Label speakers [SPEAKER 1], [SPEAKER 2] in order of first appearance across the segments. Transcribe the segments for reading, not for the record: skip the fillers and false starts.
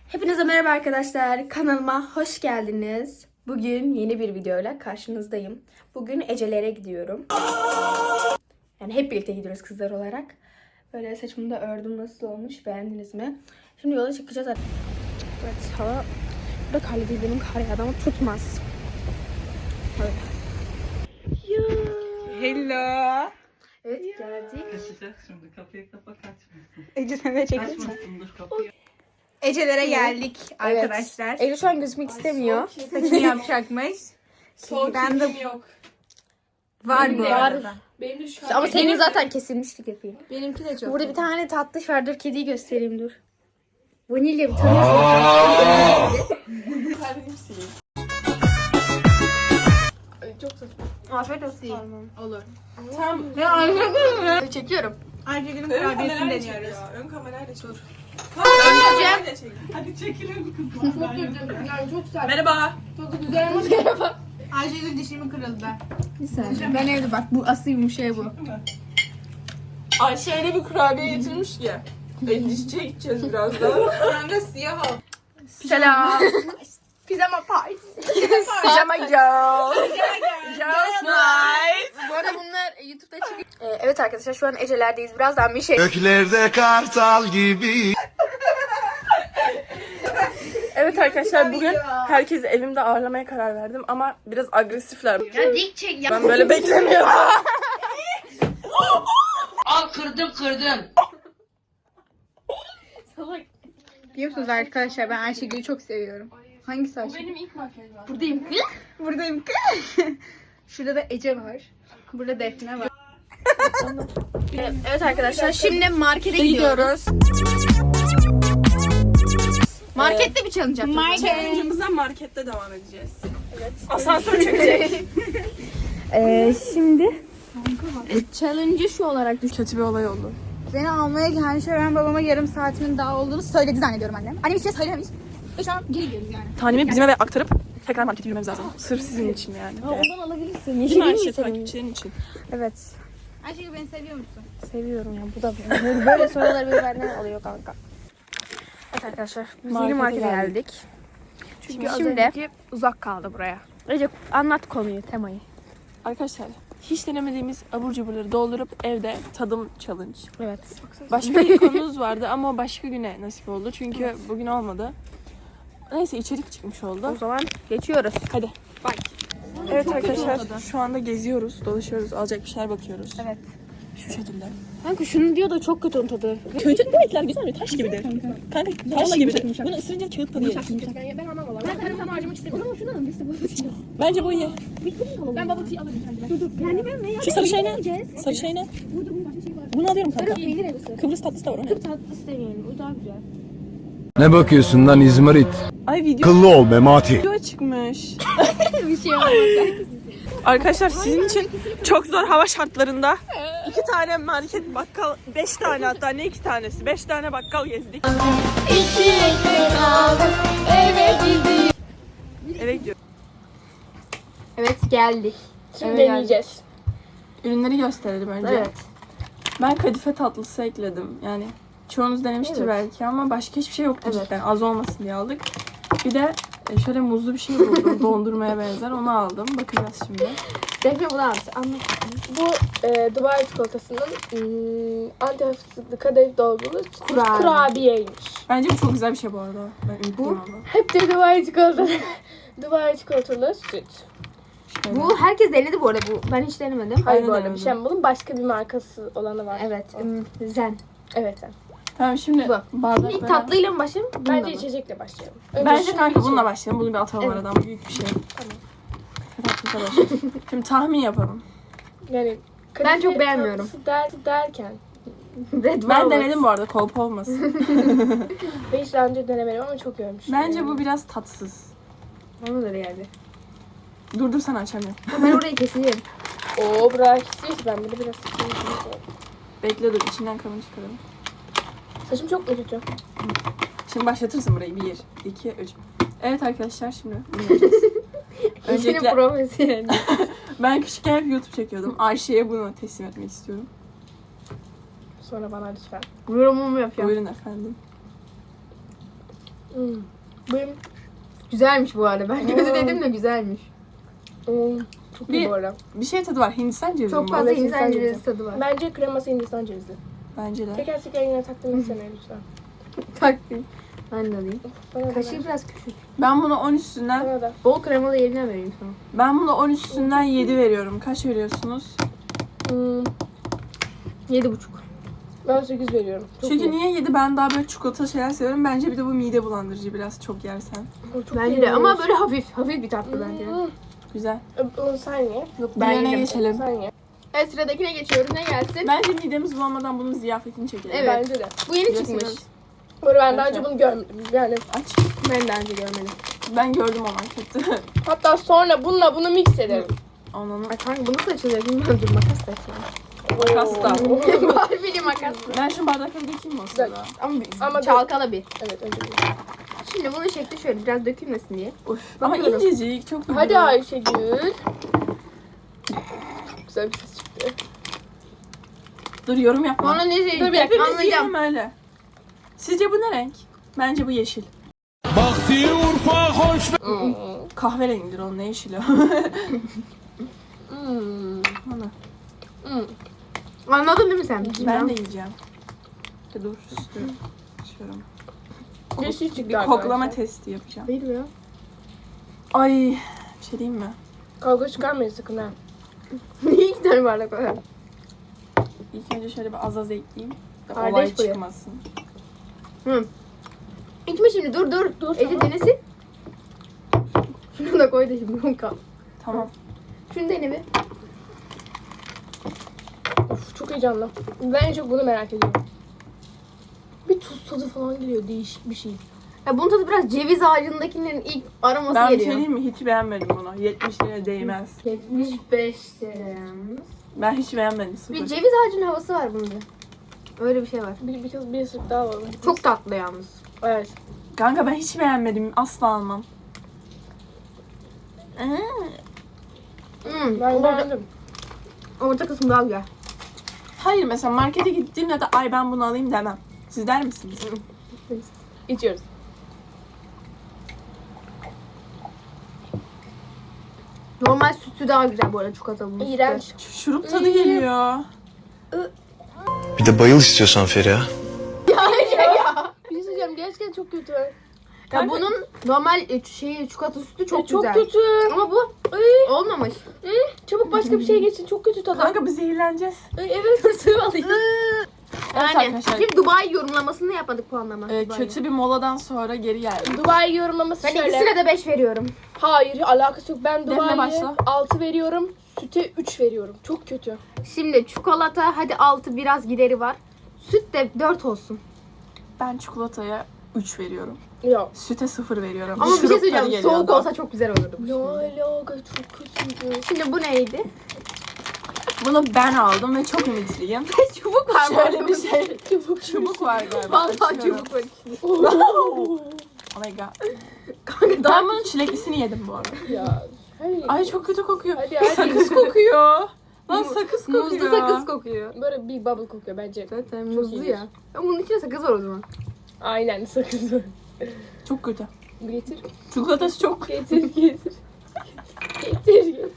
[SPEAKER 1] Hepinize merhaba arkadaşlar. Kanalıma hoş geldiniz. Bugün yeni bir videoyla karşınızdayım. Bugün Ece'lere gidiyorum. Yani hep birlikte gidiyoruz kızlar olarak. Böyle saçımı da ördüm. Nasıl olmuş? Beğendiniz mi? Şimdi yola çıkacağız. Evet, hava burada karlı değil. Benim kar yağdı ama tutmaz. Öyle.
[SPEAKER 2] Hello.
[SPEAKER 1] Evet, geldik.
[SPEAKER 3] Kaçacak şimdi, kapıyı kapa, kaçmasın.
[SPEAKER 2] Ece sen de çekilir misin?
[SPEAKER 3] Kaçmasın, dur kapıyı.
[SPEAKER 2] Ecelere geldik arkadaşlar.
[SPEAKER 1] Evet. Ece şu an gözükmek istemiyor.
[SPEAKER 2] Saçını yapacakmış. Ben de
[SPEAKER 4] yok.
[SPEAKER 2] var bu
[SPEAKER 1] Var.
[SPEAKER 2] arada.
[SPEAKER 4] Benim de şu an
[SPEAKER 1] Ama senin zaten kesilmişti kirpiğin.
[SPEAKER 2] Benimki de çok.
[SPEAKER 1] Burada bir tane tatlış var. Dur kediyi göstereyim dur. Vanilya bir tanıyorsunuz.
[SPEAKER 4] çok saçma.
[SPEAKER 1] Afiyet olsun.
[SPEAKER 2] Olur.
[SPEAKER 4] Tam
[SPEAKER 2] Ya anladın mı?
[SPEAKER 1] Çekiyorum.
[SPEAKER 2] Ayşegül'ün
[SPEAKER 4] ön
[SPEAKER 2] kurabiyesini
[SPEAKER 4] kamerayla çek
[SPEAKER 2] deniyoruz.
[SPEAKER 4] ya. Ön kamerayla çek.
[SPEAKER 1] Önceden
[SPEAKER 4] Çek. Hadi çekilelim kızlar.
[SPEAKER 1] yani çok güzel.
[SPEAKER 4] Merhaba.
[SPEAKER 1] Çok güzel ama merhaba.
[SPEAKER 2] Ayşegül dişimi kırıldı. Bir saniye. Ben evde bak bu asıl yumuşaya bu.
[SPEAKER 4] Ayşe öyle bir kurabiye getirmiş ki. Dişçiye gideceğiz birazdan. Kanka siyah al.
[SPEAKER 1] Selam.
[SPEAKER 2] Pijama partisi.
[SPEAKER 1] Pijama girl.
[SPEAKER 4] Girls night.
[SPEAKER 1] Bu arada bunlar YouTube'da çıkıyor. Evet arkadaşlar şu an Ece'lerdeyiz. Birazdan bir şey.
[SPEAKER 5] Göklerde kartal gibi.
[SPEAKER 4] Evet arkadaşlar bugün herkesi evimde ağırlamaya karar verdim ama biraz agresifler.
[SPEAKER 1] Ya dik çek ya.
[SPEAKER 4] Ben böyle beklemiyordum.
[SPEAKER 6] Al kırdım.
[SPEAKER 2] Biliyor musunuz arkadaşlar ben Ayşegül'ü çok seviyorum. Hangisi Ayşegül?
[SPEAKER 4] Benim ilk makyajım.
[SPEAKER 1] Buradayım.
[SPEAKER 2] Buradayım. Şurada da Ece var. Burada Defne var.
[SPEAKER 1] Evet arkadaşlar şimdi markete gidiyoruz. Markette bir challenge yapacağız.
[SPEAKER 4] Challenge'ımıza markette devam edeceğiz. Evet. Asansör çekecek.
[SPEAKER 1] Şimdi challenge'ı şu olarak düşün.
[SPEAKER 4] Kötü bir olay oldu.
[SPEAKER 2] Beni almaya gelmiş ve ben babama yarım saatimin daha olduğunu söyledi zannediyorum annem. Annem hiç şey söylememiş. Ve şu an geri gidiyoruz yani.
[SPEAKER 4] Tanemi bizim eve aktarıp tekrar markete yürümemiz lazım. Sırf sizin için yani.
[SPEAKER 1] Ondan alabilirsin.
[SPEAKER 4] Değil
[SPEAKER 1] Yeşil
[SPEAKER 4] mi
[SPEAKER 1] değil
[SPEAKER 4] Ayşe?
[SPEAKER 1] mi senin?
[SPEAKER 4] Takipçilerin için.
[SPEAKER 1] Evet.
[SPEAKER 2] Ayşegül beni seviyor musun?
[SPEAKER 1] Seviyorum ya. Bu da böyle sorular böyle benden alıyor kanka. Evet arkadaşlar. Biz yeni markete geldik.
[SPEAKER 4] Çünkü
[SPEAKER 1] Şimdi uzak kaldı buraya. Recep anlat konuyu, temayı.
[SPEAKER 4] Arkadaşlar hiç denemediğimiz abur cuburları doldurup evde tadım challenge.
[SPEAKER 1] Evet.
[SPEAKER 4] Başka bir konumuz vardı ama o başka güne nasip oldu. Çünkü bugün olmadı. Neyse içerik çıkmış
[SPEAKER 1] O
[SPEAKER 4] oldu.
[SPEAKER 1] zaman geçiyoruz.
[SPEAKER 4] Hadi. Evet arkadaşlar şu anda geziyoruz, dolaşıyoruz, alacak bir şeyler bakıyoruz.
[SPEAKER 1] Evet.
[SPEAKER 4] Şu şekilde.
[SPEAKER 1] Kanka şunu diyor da çok kötü onun tadı.
[SPEAKER 4] Kötü demekler güzel mi? Taş gibidir. Kanka taş gibidir. Bunu ısırınca kağıt tadı gelir.
[SPEAKER 1] Ben almam valla. Ben tarafını harcamak istemiyorum. Ama şunu alın işte bu.
[SPEAKER 4] Bence bu iyi.
[SPEAKER 1] Ben bubble tea alırım kendime. Dur. Kendime ne ya?
[SPEAKER 4] Şu sarı şey ne? Sarı şey ne?
[SPEAKER 1] Burada bunun başka şey var.
[SPEAKER 4] Bunu alıyorum kanka.
[SPEAKER 1] Peynir arası.
[SPEAKER 4] Kıbrıs tatlısı da var o ne?
[SPEAKER 1] Tatlısı demeyelim. O daha güzel.
[SPEAKER 5] Ne bakıyorsun lan İzmarit?
[SPEAKER 4] Ay video
[SPEAKER 5] Kıllı ol Memati.
[SPEAKER 4] çıkmış.
[SPEAKER 1] Bir şey olmaz.
[SPEAKER 4] Arkadaşlar sizin için çok zor hava şartlarında 2 tane market bakkal, 5 tane hatta ne 2 tanesi 5 tane bakkal gezdik. Eve gidiyoruz.
[SPEAKER 1] Evet geldik.
[SPEAKER 4] Şimdi deneyeceğiz. Ürünleri gösterelim önce.
[SPEAKER 1] Evet.
[SPEAKER 4] Ben kadife tatlısı ekledim. Yani çoğunuz denemiştir
[SPEAKER 1] Evet.
[SPEAKER 4] belki ama başka hiçbir şey yoktu
[SPEAKER 1] Evet.
[SPEAKER 4] cidden. Az olmasın diye aldık. Bir de şöyle muzlu bir şey buldum. Dondurmaya benzer. Onu aldım. Bakacağız şimdi.
[SPEAKER 1] Defne bunu anlat.
[SPEAKER 7] Bu Dubai çikolatasının antihafızlıklı kadayıf dolgulu kurabiyeymiş.
[SPEAKER 4] Bence bu çok güzel bir şey bu arada. Ben ümitliyim ama.
[SPEAKER 7] Hep de Dubai çikolatalı. Dubai çikolatalı süt.
[SPEAKER 4] Şöyle.
[SPEAKER 1] Bu herkes denedi bu arada bu. Ben hiç denemedim.
[SPEAKER 7] Hayır
[SPEAKER 4] Ben
[SPEAKER 7] bu
[SPEAKER 4] de
[SPEAKER 7] arada bir
[SPEAKER 4] denemedim.
[SPEAKER 7] şey ama bunun başka bir markası olanı var.
[SPEAKER 1] Evet. Zen.
[SPEAKER 7] Evet.
[SPEAKER 4] Tamam şimdi
[SPEAKER 1] Bu.
[SPEAKER 4] bardaklara.
[SPEAKER 1] İlk tatlıyla mı başlayalım? Bununla
[SPEAKER 7] Bence
[SPEAKER 1] mı?
[SPEAKER 7] içecekle başlayalım.
[SPEAKER 4] Bence
[SPEAKER 7] şunu
[SPEAKER 4] kanka
[SPEAKER 7] bir
[SPEAKER 4] bununla başlayalım. Bunu bir atalım
[SPEAKER 1] Evet.
[SPEAKER 4] aradan. Büyük bir şey. Tamam. Tatlısa başlayalım. Şimdi tahmin yapalım.
[SPEAKER 7] Yani
[SPEAKER 1] Ben çok beğenmiyorum.
[SPEAKER 7] Derken
[SPEAKER 1] Red
[SPEAKER 4] Ben
[SPEAKER 1] Velvet.
[SPEAKER 4] denedim bu arada. Kolpa olmasın.
[SPEAKER 7] ben hiç daha önce denemedim ama çok görmüştüm.
[SPEAKER 4] Bence bu biraz tatsız.
[SPEAKER 1] Bana da geldi.
[SPEAKER 4] Dur sen açamıyorum.
[SPEAKER 1] Ben orayı keseyim.
[SPEAKER 7] Oo bırak istiyor ki ben bunu biraz sıkıntı.
[SPEAKER 4] Bekle dur içinden kalın çıkaralım.
[SPEAKER 7] Saçım çok mu kötü?
[SPEAKER 4] Şimdi başlatırsın burayı. 1, 2, 3. Evet arkadaşlar şimdi bunu yapacağız. Öncelikle
[SPEAKER 1] profesyonel.
[SPEAKER 4] ben küçükken hep YouTube çekiyordum. Ayşe'ye bunu teslim etmek istiyorum.
[SPEAKER 7] Sonra bana lütfen.
[SPEAKER 1] Yorumumu yapıyorum.
[SPEAKER 4] Buyurun efendim.
[SPEAKER 7] Benim
[SPEAKER 2] Güzelmiş bu arada. Ben kötü dedim de güzelmiş.
[SPEAKER 7] çok iyi bu arada.
[SPEAKER 4] Bir şey tadı var. Hindistan cevizi
[SPEAKER 2] Çok
[SPEAKER 4] mi bu?
[SPEAKER 2] fazla
[SPEAKER 7] Evet,
[SPEAKER 2] Hindistan
[SPEAKER 7] Hindistan
[SPEAKER 2] cevizi tadı var.
[SPEAKER 7] Bence kreması Hindistan cevizi.
[SPEAKER 4] Bence de.
[SPEAKER 7] Teker teker yine takdim etsene lütfen.
[SPEAKER 2] Takdim. Ben de alayım.
[SPEAKER 7] Bana da
[SPEAKER 2] Kaşığı
[SPEAKER 7] ver.
[SPEAKER 2] biraz küçük.
[SPEAKER 4] Ben buna 10 üstünden
[SPEAKER 7] Bana da.
[SPEAKER 2] Bol kremalı yerine vereyim sana.
[SPEAKER 4] ben buna 10 üstünden 7 veriyorum. Kaç veriyorsunuz?
[SPEAKER 2] 7,5.
[SPEAKER 7] Ben 8 veriyorum. Çok
[SPEAKER 4] Çünkü
[SPEAKER 7] iyi.
[SPEAKER 4] niye 7? Ben daha böyle çikolata şeyler seviyorum. Bence bir de bu mide bulandırıcı biraz çok yersen.
[SPEAKER 7] Çok
[SPEAKER 2] Bence
[SPEAKER 7] iyi
[SPEAKER 2] de ama
[SPEAKER 7] olmuş.
[SPEAKER 2] böyle hafif bir tatlı bence.
[SPEAKER 4] Güzel.
[SPEAKER 7] Onu sen ye.
[SPEAKER 2] Yok
[SPEAKER 4] Diğerine geçelim.
[SPEAKER 7] Sen ye.
[SPEAKER 2] Evet sıradakine geçiyoruz. Ne gelsin?
[SPEAKER 4] Bence midemiz bulanmadan bunun ziyafetini çekelim.
[SPEAKER 2] Evet.
[SPEAKER 7] Bence de.
[SPEAKER 2] Bu yeni
[SPEAKER 4] Biliyorsunuz.
[SPEAKER 2] çıkmış.
[SPEAKER 7] Bu arada ben daha
[SPEAKER 4] Evet.
[SPEAKER 7] önce bunu görmedim. Yani
[SPEAKER 4] Aç.
[SPEAKER 2] Ben daha önce görmedim.
[SPEAKER 4] Ben gördüm o markette.
[SPEAKER 7] hatta sonra bununla bunu mix ederim.
[SPEAKER 4] Onu
[SPEAKER 2] Ay kanka bu nasıl açılıyor bilmiyorum. Dur makas da açalım.
[SPEAKER 4] makas da.
[SPEAKER 2] Barbie'li makas.
[SPEAKER 4] Ben şu bardakları dökeyim mi o sırada?
[SPEAKER 2] Ama çalkala bir.
[SPEAKER 7] Evet önce bunu.
[SPEAKER 2] Şimdi bunun şekli şöyle biraz dökülmesin diye.
[SPEAKER 4] Uf. Ama
[SPEAKER 2] Bakıyorum.
[SPEAKER 4] incecik çok güzel.
[SPEAKER 7] Hadi Ayşegül. Çok güzel bir ses çıktı.
[SPEAKER 4] Dur yorum yapma.
[SPEAKER 2] Sonra ne
[SPEAKER 7] Dur bir
[SPEAKER 2] diyecek
[SPEAKER 7] dakika,
[SPEAKER 4] Hepimiz
[SPEAKER 2] anlayacağım.
[SPEAKER 4] yiyelim öyle. Sizce bu ne renk? Bence bu yeşil. Kahverengidir onun, ne yeşili o? Ana.
[SPEAKER 2] Anladın değil mi sen?
[SPEAKER 4] Ben de yiyeceğim. Dur üstü. Açıyorum.
[SPEAKER 7] Yeşil çıktı
[SPEAKER 4] Bir
[SPEAKER 7] arkadaşlar.
[SPEAKER 4] koklama testi yapacağım.
[SPEAKER 2] Değil mi ya?
[SPEAKER 4] Ay, bir şey diyeyim mi?
[SPEAKER 7] Kavga çıkarmayın sakın ha.
[SPEAKER 2] Niye 2 tane bardak var?
[SPEAKER 4] İlk önce şöyle bir az ekleyeyim. Da
[SPEAKER 7] Kardeş
[SPEAKER 4] olay
[SPEAKER 7] bu ya.
[SPEAKER 4] çıkmasın.
[SPEAKER 2] İçme şimdi dur. Ece denesin. Şunu da koy da şimdi bunu kal.
[SPEAKER 4] Tamam.
[SPEAKER 2] Şunu dene bir.
[SPEAKER 7] Of çok heyecanlı. Ben en çok bunu merak ediyorum. Bir tuz tadı falan geliyor, değişik bir şey.
[SPEAKER 2] Ya bunun tadı biraz ceviz ağacındakinin ilk aroması
[SPEAKER 4] Ben bir şey
[SPEAKER 2] geliyor.
[SPEAKER 4] diyeyim mi? Hiç beğenmedim bunu. 70 liraya değmez.
[SPEAKER 2] 75 lira.
[SPEAKER 4] Ben hiç beğenmedim. Sıfır.
[SPEAKER 2] Bir ceviz ağacının havası var bunda. Öyle bir şey var.
[SPEAKER 7] Bir ısırık daha alalım.
[SPEAKER 2] Çok tatlı yalnız.
[SPEAKER 7] Evet.
[SPEAKER 4] Kanka ben hiç beğenmedim. Asla almam.
[SPEAKER 7] Ben beğendim.
[SPEAKER 2] Orta kısmı daha güzel.
[SPEAKER 4] Hayır, mesela markete gittiğimde de ay ben bunu alayım demem. Siz der misiniz?
[SPEAKER 7] İçiyoruz.
[SPEAKER 2] Normal sütü daha güzel bu arada çikolatalı.
[SPEAKER 7] İğrenç.
[SPEAKER 4] Şurup tadı geliyor.
[SPEAKER 5] Bir de bayıl istiyorsan Feriha.
[SPEAKER 7] Bir şey söyleyeceğim, gerçekten çok kötü.
[SPEAKER 2] Ya bunun normal çikolata sütü çok
[SPEAKER 7] Çok
[SPEAKER 2] güzel.
[SPEAKER 7] kötü.
[SPEAKER 2] Ama bu olmamış.
[SPEAKER 7] Çabuk başka bir şeye geçin. Çok kötü tadı.
[SPEAKER 4] Kanka biz zehirleneceğiz.
[SPEAKER 7] Evet, sıvı alayım.
[SPEAKER 2] Yani
[SPEAKER 4] arkadaşlar.
[SPEAKER 2] şimdi Dubai yorumlamasını yapmadık puanlama. Dubai'yi.
[SPEAKER 4] Kötü bir moladan sonra geri geldik.
[SPEAKER 7] Dubai yorumlaması
[SPEAKER 2] Ben
[SPEAKER 7] şöyle.
[SPEAKER 2] ikisine de 5 veriyorum.
[SPEAKER 7] Hayır, alakası yok. Ben
[SPEAKER 4] Defne
[SPEAKER 7] Dubai'ye
[SPEAKER 4] başla.
[SPEAKER 7] 6 veriyorum. Süte 3 veriyorum. Çok kötü.
[SPEAKER 2] Şimdi çikolata hadi 6 biraz gideri var. Süt de 4 olsun.
[SPEAKER 4] Ben çikolataya 3 veriyorum.
[SPEAKER 7] Yok.
[SPEAKER 4] Süte 0 veriyorum.
[SPEAKER 2] Ama bir şey
[SPEAKER 4] Şurup tadı
[SPEAKER 2] söyleyeceğim.
[SPEAKER 4] geliyor
[SPEAKER 2] Soğuk
[SPEAKER 4] da.
[SPEAKER 2] olsa çok güzel olurdu.
[SPEAKER 7] Ne alaka, çok kötüydü.
[SPEAKER 2] Şimdi bu neydi?
[SPEAKER 4] Bunu ben aldım ve çok ümitliyim.
[SPEAKER 2] Çubuk var
[SPEAKER 4] Şöyle bir şey. Çubuk var galiba.
[SPEAKER 2] Vallahi
[SPEAKER 4] Açıyorum.
[SPEAKER 2] çubuk var.
[SPEAKER 4] Oh my god.
[SPEAKER 2] Kanka
[SPEAKER 4] Ben bunun çileklisini yedim bu arada.
[SPEAKER 7] Ya. Hayır.
[SPEAKER 4] Ay çok kötü kokuyor.
[SPEAKER 7] Hadi, hadi.
[SPEAKER 4] Sakız kokuyor. Lan sakız kokuyor.
[SPEAKER 2] muzlu sakız kokuyor.
[SPEAKER 7] Böyle bir bubble kokuyor bence.
[SPEAKER 2] Zaten muzlu
[SPEAKER 7] iyidir.
[SPEAKER 2] ya. Ama bunun içinde sakız var o zaman.
[SPEAKER 7] Aynen, sakız.
[SPEAKER 4] Çok kötü.
[SPEAKER 7] Getir.
[SPEAKER 4] Çikolatası çok.
[SPEAKER 7] Getir. Getir.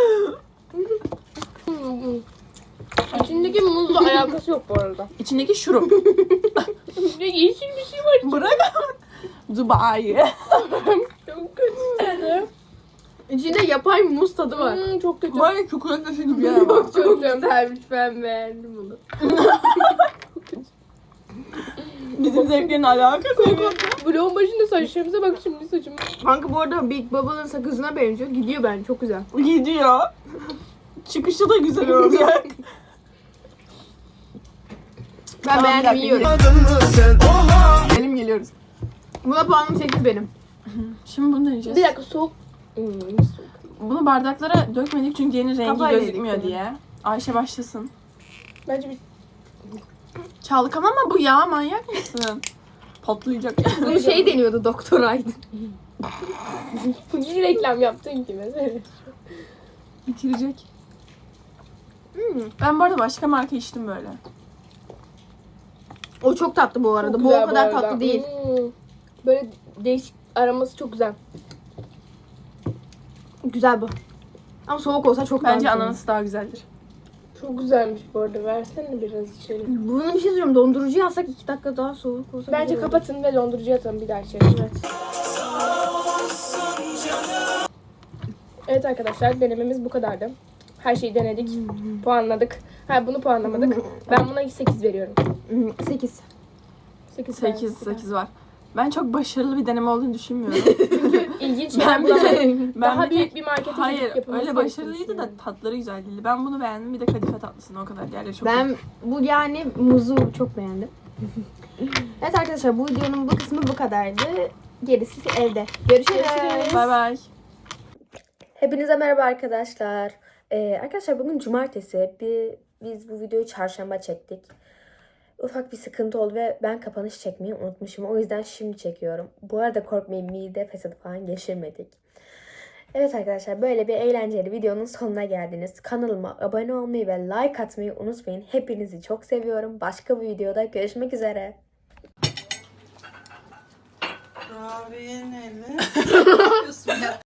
[SPEAKER 7] İçindeki muzla alakası yok bu arada.
[SPEAKER 4] İçindeki şurup.
[SPEAKER 7] Ne yeşil bir şey var.
[SPEAKER 4] Bırak. Dubai.
[SPEAKER 7] Çok kötü.
[SPEAKER 2] İçinde yapay muz tadı var.
[SPEAKER 7] Çok kötü.
[SPEAKER 4] Var ya çikolatası gibi yer var.
[SPEAKER 2] Çok güzelmiş, ben beğendim bunu.
[SPEAKER 4] Bizim zevklerin alakası yok.
[SPEAKER 7] Vlogun başında saçlarımıza bak şimdi saçım.
[SPEAKER 2] Kanka bu arada Big Bubble'ın sakızına benziyor. Gidiyor bence çok güzel.
[SPEAKER 4] Gidiyor. Çıkışı da güzel olacak.
[SPEAKER 2] Ben
[SPEAKER 4] Tamam,
[SPEAKER 2] beğendim,
[SPEAKER 4] bir
[SPEAKER 2] yiyorum.
[SPEAKER 4] Benim geliyoruz.
[SPEAKER 2] Buna puanım 8 benim.
[SPEAKER 4] Şimdi bunu deneyeceğiz.
[SPEAKER 7] Bir dakika, soğuk.
[SPEAKER 4] Bunu bardaklara dökmedik çünkü yeni rengi
[SPEAKER 2] Kafayla
[SPEAKER 4] gözükmüyor
[SPEAKER 2] yedik
[SPEAKER 4] diye. Ayşe başlasın.
[SPEAKER 7] Bence bir
[SPEAKER 4] Çalkalama bu ya, manyak mısın? Patlayacak.
[SPEAKER 2] Bu şey deniyordu Doktor Aydın.
[SPEAKER 7] niye reklam yaptın ki mesela?
[SPEAKER 4] Bitirecek. Ben bu arada başka marka içtim böyle.
[SPEAKER 2] O çok tatlı bu arada.
[SPEAKER 7] Çok
[SPEAKER 2] Bu
[SPEAKER 7] güzel
[SPEAKER 2] o kadar
[SPEAKER 7] arada.
[SPEAKER 2] tatlı değil.
[SPEAKER 7] Böyle değişik, aroması çok güzel.
[SPEAKER 2] Güzel bu. Ama soğuk olsa çok daha
[SPEAKER 4] Bence
[SPEAKER 2] güzel.
[SPEAKER 4] ananası daha güzeldir.
[SPEAKER 7] Çok güzelmiş bu arada. Versene biraz içelim.
[SPEAKER 2] Bunun bir şey söyleyeyim. Dondurucuya alsak 2 dakika daha soğuk olsa
[SPEAKER 7] Bence
[SPEAKER 2] güzel olur.
[SPEAKER 7] kapatın ve dondurucuya atalım bir daha içelim.
[SPEAKER 2] Evet.
[SPEAKER 7] Evet arkadaşlar, denememiz bu kadardı. Her şeyi denedik. Puanladık. Ha, bunu puanlamadık. Ben buna 8 veriyorum.
[SPEAKER 2] 8.
[SPEAKER 4] 8 var. Ben çok başarılı bir deneme olduğunu düşünmüyorum.
[SPEAKER 7] İlginç
[SPEAKER 4] Ben
[SPEAKER 7] şeyler
[SPEAKER 4] bir de-
[SPEAKER 7] bulamadım.
[SPEAKER 4] ben
[SPEAKER 7] Daha
[SPEAKER 4] bir de-
[SPEAKER 7] büyük bir markete
[SPEAKER 4] Hayır
[SPEAKER 7] gidip yapılması
[SPEAKER 4] öyle
[SPEAKER 7] gerektiğini
[SPEAKER 4] başarılıydı da
[SPEAKER 7] düşünüyorum.
[SPEAKER 4] tatları güzel değildi. Ben bunu beğendim, bir de kadife tatlısını o kadar. Diğerleri çok
[SPEAKER 2] Ben bu yani muzu çok beğendim. Evet arkadaşlar, bu videonun bu kısmı bu kadardı. Gerisi evde. Görüşürüz.
[SPEAKER 4] Bay bay.
[SPEAKER 1] Hepinize merhaba arkadaşlar. Arkadaşlar bugün cumartesi. Biz bu videoyu çarşamba çektik. Ufak bir sıkıntı oldu ve ben kapanış çekmeyi unutmuşum. O yüzden şimdi çekiyorum. Bu arada korkmayın, mide fesadı falan geçirmedik. Evet arkadaşlar, böyle bir eğlenceli videonun sonuna geldiniz. Kanalıma abone olmayı ve like atmayı unutmayın. Hepinizi çok seviyorum. Başka bir videoda görüşmek üzere.
[SPEAKER 3] Abiye ne?